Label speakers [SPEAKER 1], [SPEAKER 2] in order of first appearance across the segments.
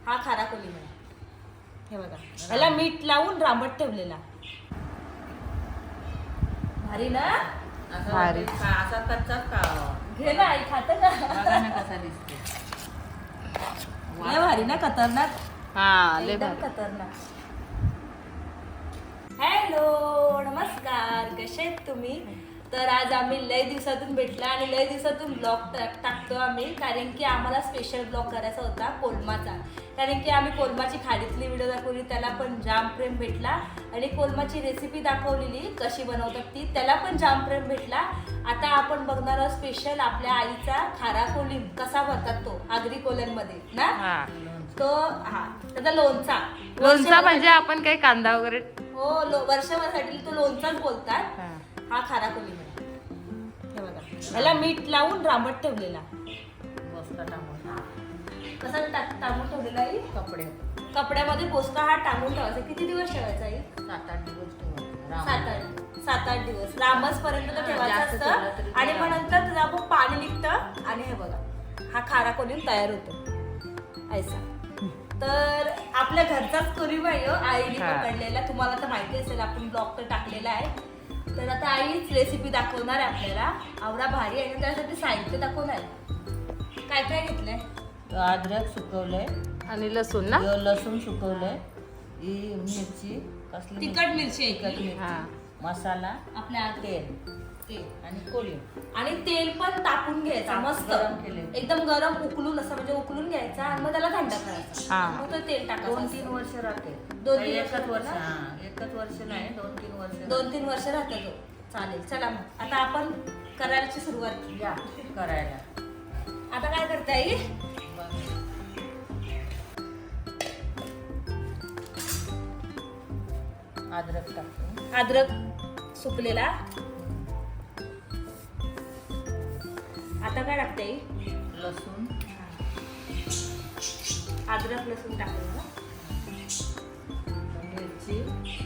[SPEAKER 1] हा खारा कोलिम आहे. हे बघा याला मीठ लावून रांबट ठेवलेला. भारी ना?
[SPEAKER 2] भारी.
[SPEAKER 3] असा कच्चाच का
[SPEAKER 1] घे ना आई, खात ना.
[SPEAKER 3] बघा ना कसा दिसतो.
[SPEAKER 1] लय भारी ना, खतरनाक.
[SPEAKER 2] हा लय
[SPEAKER 1] एकदम
[SPEAKER 2] भारी.
[SPEAKER 1] खतरनाक. हॅलो नमस्कार, कसे आहेत तुम्ही? तर आज आम्ही लय दिवसातून भेटला आणि लय दिवसातून ब्लॉग टाकतो आम्ही, कारण की आम्हाला स्पेशल ब्लॉग करायचा होता कोलमाचा. कारण की आम्ही कोलमाची खाडीतली व्हिडिओ दाखवली, त्याला पण जाम प्रेम भेटला. आणि कोलमाची रेसिपी दाखवलेली कशी बनवतात ती, त्याला पण जाम प्रेम भेटला. आता आपण बघणार आहोत स्पेशल आपल्या आईचा खारा कोलिम कसा बनतात तो आगरी कोल्यांमध्ये ना.
[SPEAKER 2] हा
[SPEAKER 1] तो त्याचा लोणचा.
[SPEAKER 2] लोणचा म्हणजे आपण काही कांदा वगैरे.
[SPEAKER 1] हो, वर्षभरासाठी तो लोणचाच बोलतात.
[SPEAKER 2] हा.
[SPEAKER 1] हा खारा कोलिम आहे. हे बघा याला मीठ लावून रांबट ठेवलेला.
[SPEAKER 3] मस्त टाकून
[SPEAKER 1] कसा टांगून ठेवलेला आहे? कपड्यामध्ये पोचका हा टांगून ठेवायचा. किती दिवस ठेवायचा आहे?
[SPEAKER 3] 7-8 दिवस ठेवायचं.
[SPEAKER 1] 7-8 दिवस लांबच पर्यंत तो ठेवायचं
[SPEAKER 3] जास्त ठेवलं
[SPEAKER 1] असतं.
[SPEAKER 3] तरी
[SPEAKER 1] आणि
[SPEAKER 3] ते
[SPEAKER 1] मग नंतर त्याचं आपण पाणी निघतं आणि हे बघा हा खारा कोलिम तयार होतो ऐसा. तर आपल्या घरचाच कोलिम आहे आईने
[SPEAKER 2] हा.
[SPEAKER 1] पकडलेला. तुम्हाला तर माहिती असेल, आपण ब्लॉग तर टाकलेला आहे. तर आता आईच रेसिपी दाखवणार आहे आपल्याला. आवडा भारी आहे. त्यासाठी साहित्य दाखवणार आहे. काय काय घेतलंय?
[SPEAKER 3] अद्रक सुकवलंय
[SPEAKER 2] आणि लसूण ना.
[SPEAKER 3] लसूण सुकवलंय, ही मिरची कसली
[SPEAKER 1] तिखट मिरची आहे
[SPEAKER 3] तिखट
[SPEAKER 1] की?
[SPEAKER 3] मिरची,
[SPEAKER 2] हा.
[SPEAKER 3] मसाला,
[SPEAKER 1] आपल्या
[SPEAKER 3] तेल आणि कोलिम.
[SPEAKER 1] आणि तेल पण तापून घ्यायचं मस्त
[SPEAKER 3] गरम केलेलं.
[SPEAKER 1] एकदम गरम उकलून असं म्हणजे उकलून घ्यायचा आणि मग त्याला थंड करायचा.
[SPEAKER 2] हा.
[SPEAKER 1] मग तो तेल टाकायचं.
[SPEAKER 3] 2-3 वर्ष राहते.
[SPEAKER 1] 2-3
[SPEAKER 3] एकच
[SPEAKER 1] वर्ष
[SPEAKER 3] वर्ष
[SPEAKER 1] ना?
[SPEAKER 3] एकच वर्ष नाही, 2-3 वर्ष
[SPEAKER 1] 2-3 वर्ष राहतो तो. चालेल, चला मग आता आपण करायची सुरुवात.
[SPEAKER 3] या करायला.
[SPEAKER 1] आता काय करता येईल?
[SPEAKER 3] अद्रक टाकतो.
[SPEAKER 1] अद्रक सुकलेला. आता काय टाकता येईल?
[SPEAKER 3] लसूण,
[SPEAKER 1] अद्रक लसूण टाकलं ना.
[SPEAKER 3] मिरची,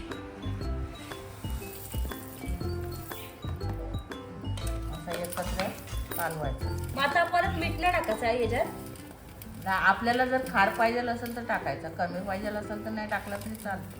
[SPEAKER 3] असं एकत्र कालवायचं.
[SPEAKER 1] मग आता परत मीठ नाही टाकायचं आहे याच्यात?
[SPEAKER 3] आपल्याला जर खार पाहिजे असेल तर टाकायचं, कमी पाहिजे असेल तर नाही टाकलं तरी चालतं.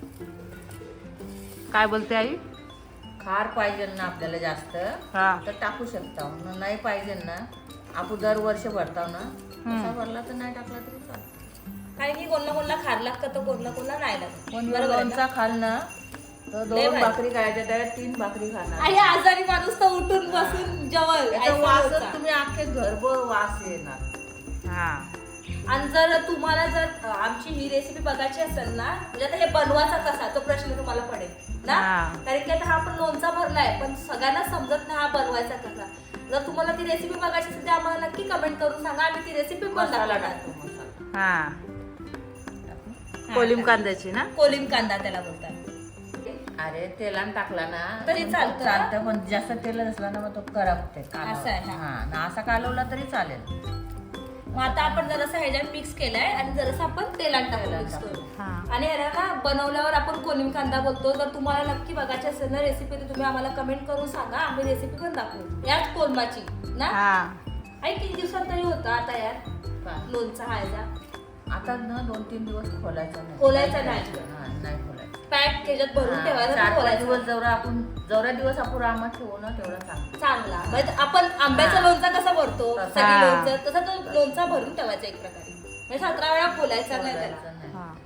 [SPEAKER 2] काय बोलते आई?
[SPEAKER 3] खार पाहिजे ना आपल्याला जास्त
[SPEAKER 2] हा.
[SPEAKER 3] तर टाकू शकता. नाही पाहिजे ना, आपण दरवर्ष भरताव ना, तसा भरला तर नाही टाकला तरी चालतं.
[SPEAKER 1] काही की कोणला खार लागतं तर कोणला नाही लागत.
[SPEAKER 3] पण
[SPEAKER 1] बरोबर आहे ना?
[SPEAKER 3] लोणचा खाल ना तर
[SPEAKER 1] लय
[SPEAKER 3] 2
[SPEAKER 1] भारी.
[SPEAKER 3] भाकरी खायच्या, त्यात 3 भाकरी खाणार.
[SPEAKER 1] आई आजारी माणूस तर उठून बसून जेवल.
[SPEAKER 3] याचा वासच तुम्ही अख्खे घरभर वास येणार.
[SPEAKER 2] हा.
[SPEAKER 1] आणि जर तुम्हाला जर आमची ही रेसिपी बघायची असेल ना, म्हणजे आता हे बनवायचा कसा तो प्रश्न तुम्हाला पडेल ना.
[SPEAKER 2] हा.
[SPEAKER 1] कारण की आता हा आपण लोणचा भरलाय, पण सगळ्यांना समजत नाही हा बनवायचा कसा. जर तुम्हाला ती रेसिपी बघायची असेल तर आम्हाला नक्की कमेंट करून सांगा, आम्ही ती रेसिपी पण
[SPEAKER 3] मसाला
[SPEAKER 1] दाखवणार.
[SPEAKER 3] टाकतो, मसाला
[SPEAKER 2] हा.
[SPEAKER 3] टाकू.
[SPEAKER 2] कोलिम कांद्याची ना.
[SPEAKER 1] कोलिम कांदा त्याला बोलतात.
[SPEAKER 3] अरे तेलान टाकला ना
[SPEAKER 1] तरी चालतं.
[SPEAKER 3] चालतं, पण जास्त तेल असला ना मग तो करपते.
[SPEAKER 1] असं आहे, हा.
[SPEAKER 3] हा ना, असा कालवला तरी चालेल.
[SPEAKER 1] मग आता आपण जरासं ह्याच्यात मिक्स केलाय आणि जरासं आपण तेलात टाकू
[SPEAKER 3] तेलात
[SPEAKER 1] mix
[SPEAKER 3] टाकू.
[SPEAKER 1] करून.
[SPEAKER 2] हा.
[SPEAKER 1] आणि याला ना बनवल्यावर आपण कोलिम कांदा बोलतो. जर तुम्हाला नक्की बघायची असेल ना रेसिपी तर तुम्ही आम्हाला कमेंट करून सांगा, आम्ही रेसिपी पण दाखवू याच कोलमाची ना.
[SPEAKER 2] हा.
[SPEAKER 1] आई किती दिवसात तरी होता आता यार
[SPEAKER 3] काय?
[SPEAKER 1] लोणचा खायचा?
[SPEAKER 3] आता ना 2-3 दिवस खोलायचा नाही.
[SPEAKER 1] खोलायचा नाही.
[SPEAKER 3] हा, नाही खोलायचं.
[SPEAKER 1] पॅक त्याच्यात भरून ठेवायचा तर
[SPEAKER 3] 4-5
[SPEAKER 1] खोलायचा.
[SPEAKER 3] दिवस जेवढा दिवस आपण आमात ठेवू ना तेवढा चांगला.
[SPEAKER 1] चांगला म्हणजे आपण आंब्याचा
[SPEAKER 3] हा.
[SPEAKER 1] लोणचा कसा भरतो
[SPEAKER 3] तसा.
[SPEAKER 1] सगळी
[SPEAKER 2] हा.
[SPEAKER 1] लोणचं तसा तो लोणचा भरून ठेवायचा एक प्रकारे. म्हणजे 17 वेळा खोलायचा नाही त्याला.
[SPEAKER 3] खोलायचं नाही.
[SPEAKER 2] हा.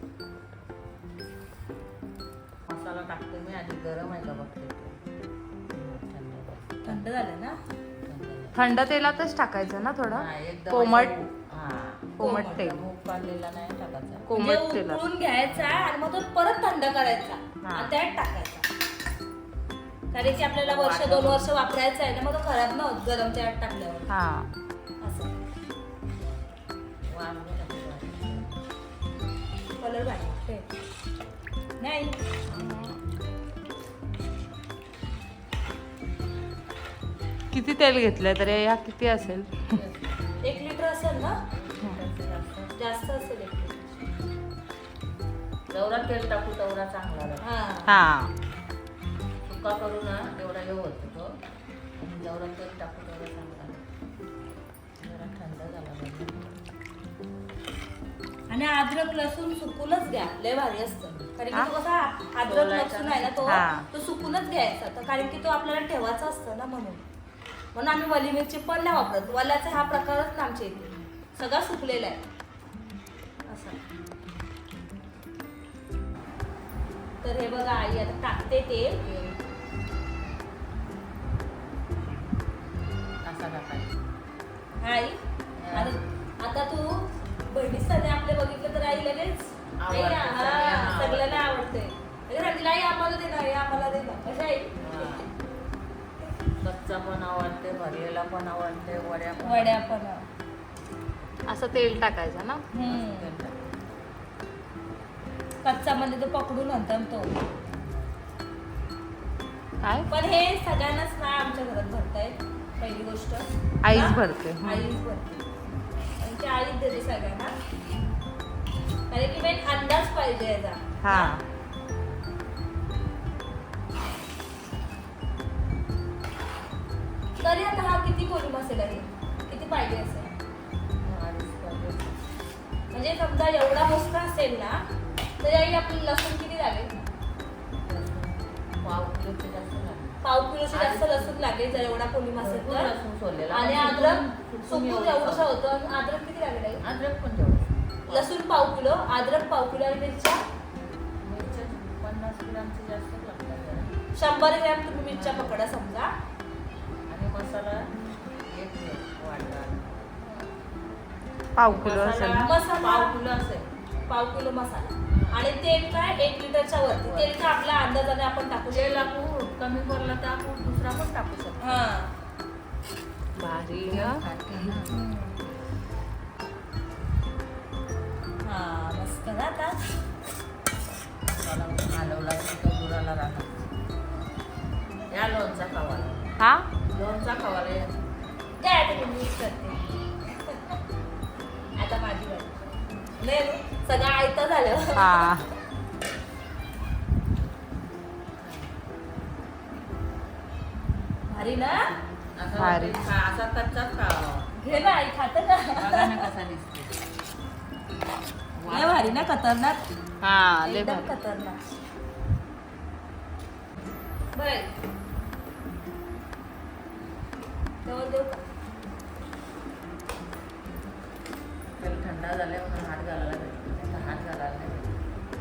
[SPEAKER 3] मसाला टाकते मी आधी. गरम आहे का बघते. थंड
[SPEAKER 1] थंड झालं ना.
[SPEAKER 2] थंड तेलातच टाकायचं ना थोडं.
[SPEAKER 3] हा, एकदम
[SPEAKER 2] कोमट.
[SPEAKER 3] असं हा.
[SPEAKER 2] कोमट तेल.
[SPEAKER 3] मूग काढलेला नाही टाकायचा.
[SPEAKER 1] म्हणजे
[SPEAKER 2] कोमट तेलात.
[SPEAKER 1] उकळून घ्यायचा आणि मग तो परत थंड करायचा
[SPEAKER 2] हा.
[SPEAKER 1] आणि त्यात टाकायचा. कारण की आपल्याला वर्ष 2 वर्ष वापरायचं आहे ना, मग तो खराब न होत गरम त्यात टाकल्यावर.
[SPEAKER 2] हा.
[SPEAKER 1] असं
[SPEAKER 3] वांगे टाकायचे.
[SPEAKER 1] कलर भारी नाही.
[SPEAKER 2] किती तेल घेतलंय तर ह्या किती असेल?
[SPEAKER 1] 1 लिटर असेल ना. जास्त असेल 1 लिटर.
[SPEAKER 3] जेवढा तेल टाकू तेवढा चांगला लागतो.
[SPEAKER 1] हा.
[SPEAKER 2] हा.
[SPEAKER 3] सुका करू ना तेवढा हे होतो तो. आणि जेवढा तेल टाकू तेवढा चांगला लागतो. जरा थंड झाला पाहिजे.
[SPEAKER 1] आणि अद्रक लसूण सुकूनच घ्या, लय भारी असतं. कारण की
[SPEAKER 2] हा?
[SPEAKER 1] तो कसा अद्रक लसूण आहे ना
[SPEAKER 2] हा.
[SPEAKER 1] तो सुकूनच घ्यायचा. तर कारण की तो आपल्याला ठेवायचा असतो ना, म्हणून आम्ही वली मिरची पण नाही वापरत. वल्याचा हा प्रकारच ना आमच्या इथे सगळा सुकलेला आहे असं. तर हे बघा आई आता टाकते तेल.
[SPEAKER 3] असा टाकायचा.
[SPEAKER 1] आई आता तू बहिणीसाठी आपले बघितलं तर आई लगेच आई
[SPEAKER 3] आवडते,
[SPEAKER 1] हा,
[SPEAKER 3] सगळ्यांना
[SPEAKER 1] सगळ्यांना आवडते. लगेच सांगितलं, आई आम्हाला दे ना, आई आम्हाला दे ना. कशा आई
[SPEAKER 3] हा. कच्चा पण आवडते, भरलेला पण आवडते, वड्या पण
[SPEAKER 1] वड्या पण.
[SPEAKER 2] असं तेल टाकायचं ना.
[SPEAKER 1] हम्म. कच्चा म्हणजे तो पकडून नंतर तो.
[SPEAKER 2] काय
[SPEAKER 1] पण हे सगळ्यांनाच नाही आमच्या घरात भरतायत. पहिली गोष्ट
[SPEAKER 2] आईच
[SPEAKER 1] हा?
[SPEAKER 2] भरते.
[SPEAKER 1] आईच भरते. आमची आईच देते सगळ्यांना. कारण की मेन अंदाज पाहिजे याचा.
[SPEAKER 2] हा.
[SPEAKER 1] तरी आता हा किती कोलम असेल आहे, किती पाहिजे असेल? म्हणजे समजा एवढा मोठा असेल ना, तरी आई आपली लसूण किती लागेल?
[SPEAKER 3] पाव किलोचे जास्त लागते.
[SPEAKER 1] पाव किलोची जास्त लसूण लागेल जर एवढा कोलम असेल
[SPEAKER 3] भरपूर
[SPEAKER 1] तर.
[SPEAKER 3] लसूण सोललेला.
[SPEAKER 1] आणि
[SPEAKER 3] आपण
[SPEAKER 1] अद्रक सुकून
[SPEAKER 3] एवढं
[SPEAKER 1] एवढंसं
[SPEAKER 3] खाऊ.
[SPEAKER 1] होतं. आणि अद्रक किती लागेल आई?
[SPEAKER 3] अद्रक पण तेवढं.
[SPEAKER 1] लसूण पाव किलो, अद्रक पाव किलो आणि मिरच्या
[SPEAKER 3] मिरच्या 50 ग्रामचे जास्त लागतात जरा.
[SPEAKER 1] 100 ग्रॅम तुम्ही मिरच्या पकडा समजा.
[SPEAKER 3] आणि मसाला एक वाटा.
[SPEAKER 2] पाव किलो असेल ना.
[SPEAKER 1] मसाला
[SPEAKER 3] पाव किलो असेल.
[SPEAKER 1] पाव किलो मसाला. आणि तेल काय 1 लिटरच्या वरती. तेल का आपल्या अंदाजाने आपण टाकू
[SPEAKER 3] तेल
[SPEAKER 1] शकतो.
[SPEAKER 3] आपण कमी पडला तर आपण दुसरा पण टाकू शकतो.
[SPEAKER 1] हा.
[SPEAKER 2] भारी
[SPEAKER 3] तेल
[SPEAKER 2] हा.
[SPEAKER 3] खाते ना.
[SPEAKER 1] हा मस्त ना आता.
[SPEAKER 3] त्याला हलवला की तो बुडाला राहणार. या लोणचा खावाला.
[SPEAKER 2] हा
[SPEAKER 3] लोणचा खावाला या.
[SPEAKER 1] काय आता मी मिक्स करते. आता माझी बारी. नाही सगळं आयतं झालं.
[SPEAKER 2] हा.
[SPEAKER 1] भारी ना.
[SPEAKER 3] असा
[SPEAKER 2] भारी.
[SPEAKER 3] असा कच्चाच खावा.
[SPEAKER 1] घे ना आई खात का.
[SPEAKER 3] बघा ना कसा दिसतो.
[SPEAKER 1] लय भारी ना, खतरनाक.
[SPEAKER 2] हा लय
[SPEAKER 1] एकदम
[SPEAKER 2] भारी.
[SPEAKER 1] खतरनाक. बर जवळ देऊ का?
[SPEAKER 3] तेल थंड झाले म्हणून हात घालायला भेटतो. नाही तर हात घालायला नाही भेटत.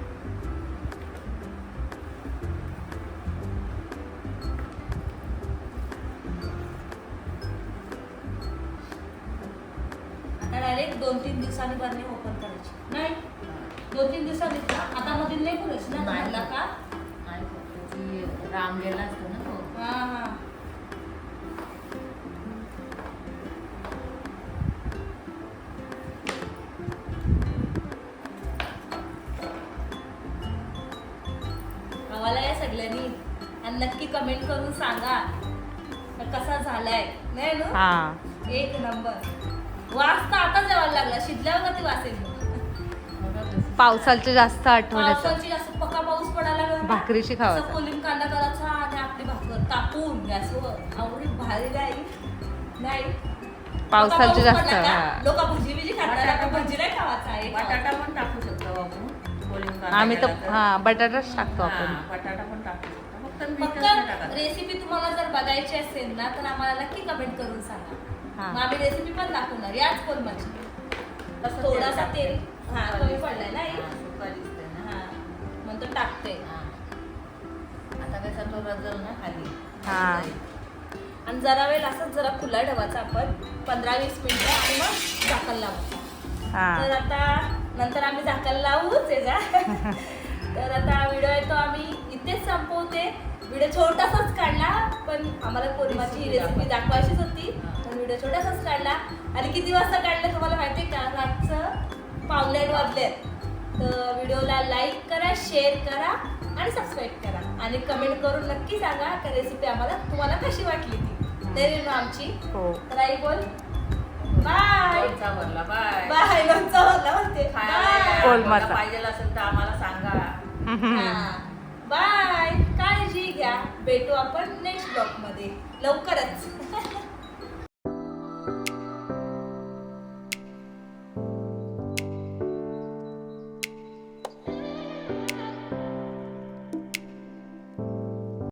[SPEAKER 1] आता डायरेक्ट 2-3 दिवसांनी बरणी ओपन करायची. नाही 2-3 दिवसांनी का? आता मध्ये नाही करायची ना
[SPEAKER 3] नाही.
[SPEAKER 1] झाला का?
[SPEAKER 3] आणि त्याची रामलेला असतो ना तो.
[SPEAKER 1] हा हा. आम्हाला या सगळ्यांनी आणि नक्की कमेंट करून सांगा का कसा झालाय. नाही ना.
[SPEAKER 2] हा.
[SPEAKER 1] एक नंबर. वास तर आता जेवायला लागला. शिजल्यावर कधी वास येईल?
[SPEAKER 2] पावसाची जास्त आठवण येतं.
[SPEAKER 1] पावसाची जास्त पका पाऊस पडायला लागला ना,
[SPEAKER 2] भाकरीशी खावायचा.
[SPEAKER 1] असं कोलिम कांदा करायचा आणि आपली भाकर तापून गॅसवर आवडी भारी नाही.
[SPEAKER 2] पावसाची जास्त
[SPEAKER 1] लोक भजी बिजी खातात. आपण भजी नाही खावायचा आहे.
[SPEAKER 3] बटाटा पण टाकू शकतो आपण. कोलिंग कांदा
[SPEAKER 2] आम्ही तर
[SPEAKER 3] केला
[SPEAKER 2] हा बटाटाच टाकतो
[SPEAKER 3] हा,
[SPEAKER 2] आपण.
[SPEAKER 3] बटाटा पण टाकू शकतो. फक्त मीठच
[SPEAKER 1] फक्त
[SPEAKER 3] नाही टाकायचं.
[SPEAKER 1] रेसिपी तुम्हाला जर बघायची असेल ना तर आम्हाला नक्की कमेंट करून सांगा.
[SPEAKER 2] हा.
[SPEAKER 1] मग आम्ही रेसिपी पण दाखवणार याच कोलमाची.
[SPEAKER 3] कसं
[SPEAKER 1] थोडासा
[SPEAKER 3] टाकते?
[SPEAKER 1] तेल हा
[SPEAKER 3] सुका
[SPEAKER 1] कमी
[SPEAKER 3] दिसते.
[SPEAKER 1] पडलाय ना आई?
[SPEAKER 3] हा, सुका दिसते ना.
[SPEAKER 1] हा म्हणतो टाकते.
[SPEAKER 3] हा. आता कसा तो रजल ना खाली.
[SPEAKER 2] हा.
[SPEAKER 1] आणि जरा वेळ असंच जरा खुला ठेवायचा आपण 15-20 मिनिटं आणि मग झाकण लावायचं.
[SPEAKER 2] हा.
[SPEAKER 1] तर आता नंतर आम्ही झाकण लावूच याचा. तर आता व्हिडिओ आहे तो आम्ही इथेच संपवते. व्हिडिओ छोटासाच काढला पण आम्हाला कोरिमाची रेसिपी दाखवायचीच होती. पण व्हिडिओ छोटासाच काढला. आणि किती वाजता काढलं तुम्हाला माहिती आहे का? रातचं 9:15 वाजले. तर व्हिडिओला लाईक करा, शेअर करा आणि सबस्क्राईब करा. आणि कमेंट करून नक्की सांगा का रेसिपी आम्हाला तुम्हाला कशी वाटली ती. तरी ना आमची.
[SPEAKER 2] हो.
[SPEAKER 1] तर आई बोल बाय.
[SPEAKER 3] लोणचा भरला. बाय.
[SPEAKER 1] बाय. लोणचं भरला म्हणते.
[SPEAKER 3] खायला
[SPEAKER 2] कोलमाचा.
[SPEAKER 3] कोणता पाहिजे असेल तर आम्हाला सांगा.
[SPEAKER 1] बाय. काळजी घ्या. भेटू आपण नेक्स्ट ब्लॉग मध्ये लवकरच.